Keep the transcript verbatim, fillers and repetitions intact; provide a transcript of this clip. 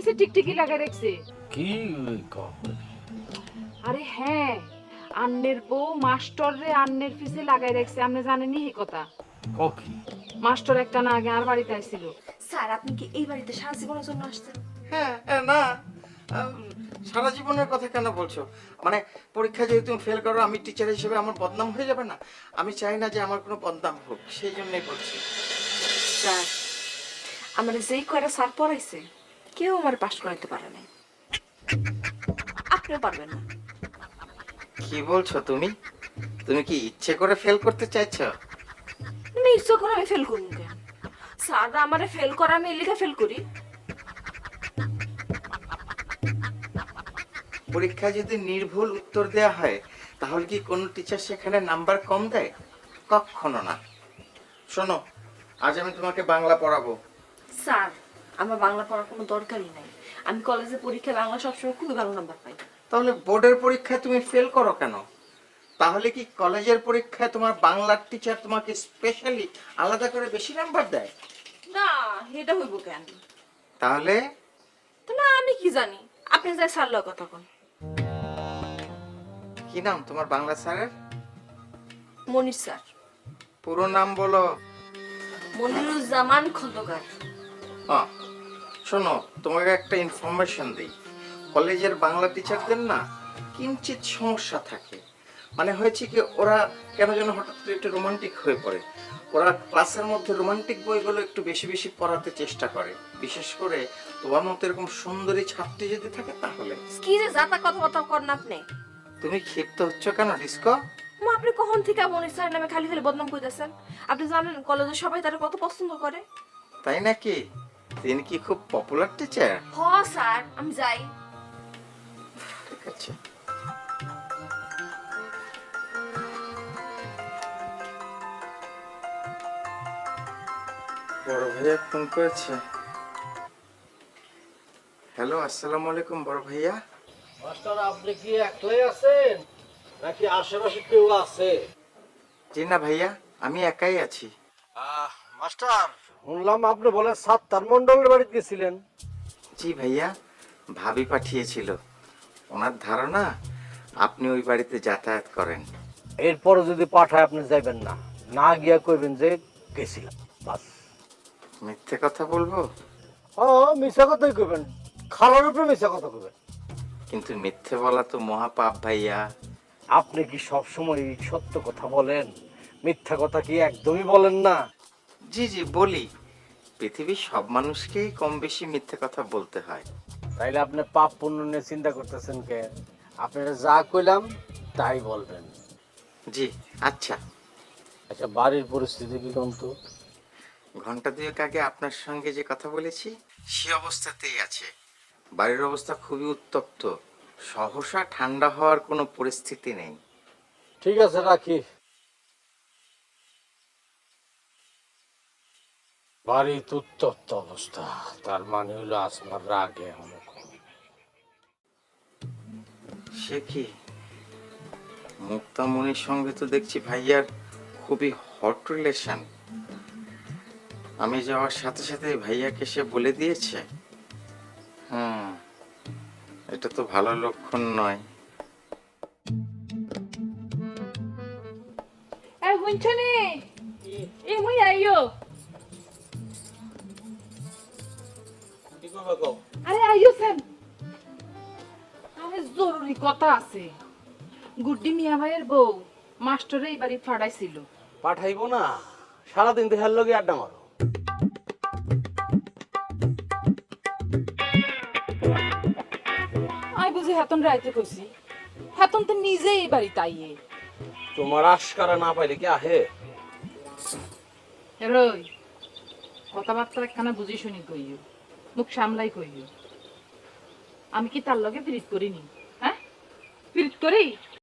ফিসে টিকটিকি লাগাই রাখছে। কি কও? আরে হ্যাঁ, আন্নের বউ মাস্টার রে আন্নের ফিসে লাগাই রাখছে, আপনি জানেনই এই কথা। কও কি? মাস্টার একটা না আগে আর বাড়িতে আইছিল। স্যার আপনি কি এই বাড়িতে সারা জীবনের জন্য আসছেন? হ্যাঁ হ্যাঁ, না আম, সারা জীবনের কথা কেন বলছো? মানে পরীক্ষা যদি তুমি ফেল করো, আমি টিচার হিসেবে আমার বদনাম হয়ে যাবে না? আমি চাই না যে আমার কোনো বদনাম হোক, সেই জন্যই বলছি। স্যার আমার যেই কয়টা স্যার পড়াইছে কেউ আমার পাস করাইতে পারে নাই, আপনিও পারবেন না। কি বলছো তুমি? তুমি কি ইচ্ছে করে ফেল করতে চাইছো? আমি ইচ্ছা করে আমি ফেল করবো কেন? স্যাররা আমারে ফেল করা আমি এলিকা ফেল করি। পরীক্ষায় যদি নির্ভুল উত্তর দেয়া হয়, তাহলে কি কোনো টিচার সেখানে নাম্বার কম দেয়? কখনো না। শোনো, আজ আমি তোমাকে বাংলা পড়াবো। স্যার আমার বাংলা পড়ার কোনো দরকারই নাই, আমি কলেজে পরীক্ষায় বাংলা সবসময় খুবই ভালো নাম্বার পাই। তাহলে বোর্ডের পরীক্ষায় তুমি ফেল করো কেন? তাহলে কি কলেজের পরীক্ষায় তোমার বাংলার টিচার তোমাকে স্পেশালি আলাদা করে বেশি নাম্বার দেয়? না এটা হইব কেন? তাহলে তো না আমি কি জানি, আপনি যাই স্যার লয় কথা কোন। কি নাম তোমার বাংলা স্যারের? মনির স্যার। পুরো নাম বলো। মনিরুজ্জামান খন্দকার। হ্যাঁ, শোনো, তোমাকে একটা ইনফরমেশন দিই। কলেজের বাংলা টিচারদের না কিঞ্চিত সমস্যা থাকে। মানে হয়েছে কি, ওরা কেন যেন হঠাৎ করে একটু রোমান্টিক হয়ে পড়ে। ওরা ক্লাসের মধ্যে রোমান্টিক বইগুলো একটু বেশি বেশি পড়াতে চেষ্টা করে, বিশেষ করে তোমার মতো এরকম সুন্দরী ছাত্রী যদি থাকে তাহলে। কি যে জাতা কথাবার্তা করেন আপনি? তুমি ক্ষিপ্ত হচ্ছ কেন ডিস্কো? মা আপনি কখন থেকে মনির স্যার নামে খালি খালি বদনাম কইতেছেন? আপনি জানেন কলেজে সবাই তারা কত পছন্দ করে? তাই নাকি? তিনি কি খুব পপুলার টিচার? হ স্যার আমি যাই। ঠিক আছে। বড় ভাইয়া ফোন করেছে। হ্যালো, আসসালামু আলাইকুম বড় ভাইয়া। মাস্টার আপনি কি একলাই আছেন নাকি আশেপাশে কেউ আছে? জি না ভাইয়া, আমি একাই আছি। মাস্টার শুনলাম আপনি বলে সাত্তার মন্ডলের বাড়িতে গেছিলেন। জি ভাইয়া, ভাবি পাঠিয়েছিল। ওনার ধারণা আপনি ওই বাড়িতে যাতায়াত করেন। এরপরও যদি পাঠায় আপনি যাইবেন না, না গিয়া কইবেন যে গেছিলাম, বাস। মিথ্যে কথা বলবো? হ্যাঁ মিশা কথাই কইবেন, খালার উপরে মিশা কথা কইবেন। কিন্তু মিথ্যে বলা তো মহাপাপ ভাইয়া। আপনি কি সবসময় সত্য কথা বলেন, মিথ্যা কথা কি একদমই বলেন না? জি জি বলি। পৃথিবীর সব মানুষকেই কম বেশি মিথ্যে কথা বলতে হয়। তাইলে আপনি পাপ পুণ্য নিয়ে চিন্তা করতেছেন কে? আপনারা যা কইলাম তাই বলবেন। জি আচ্ছা। আচ্ছা বাড়ির পরিস্থিতি কি কিন্তু? ঘন্টা দুয়েক আগে আপনার সঙ্গে যে কথা বলেছি সে অবস্থাতেই আছে। বাড়ির অবস্থা খুবই উত্তপ্ত, সহসা ঠান্ডা হওয়ার কোনো পরিস্থিতি নেই। ঠিক আছে রাখি। বাড়ির উত্তপ্ত অবস্থা, তার মানে হলো আসমার রাগে এখনো কম। সে কি, মুক্তামণির সঙ্গে তো দেখছি ভাইয়ার খুবই হট রিলেশন। আমি যাওয়ার সাথে সাথে ভাইয়াকে সে বলে দিয়েছে। হুম, এটা তো ভালো লক্ষণ নয়। এই বুঝছনি, এই মুই আইও। আরে আইও সেন, আরে জরুরি কথা আছে। গুড্ডি মিয়া ভাইয়ের বউ মাস্টারে এই বাড়ি ফাড়াইছিল। পাঠাইবো না, সারাদিন দেখার লগে আড্ডা মারো। আই বুঝি হাতন রাইতে কইছি, হাতন তো নিজেই এই বাড়ি তাইয়ে। তোমার আশকারা না পাইলে কি আহে? রই কথাবার্তা একখানা বুঝি শুনি কইও, মুখ সামলাই কইও। আমি কি তার লগে পিরিত করিনি? হ্যাঁ পিরিত করি?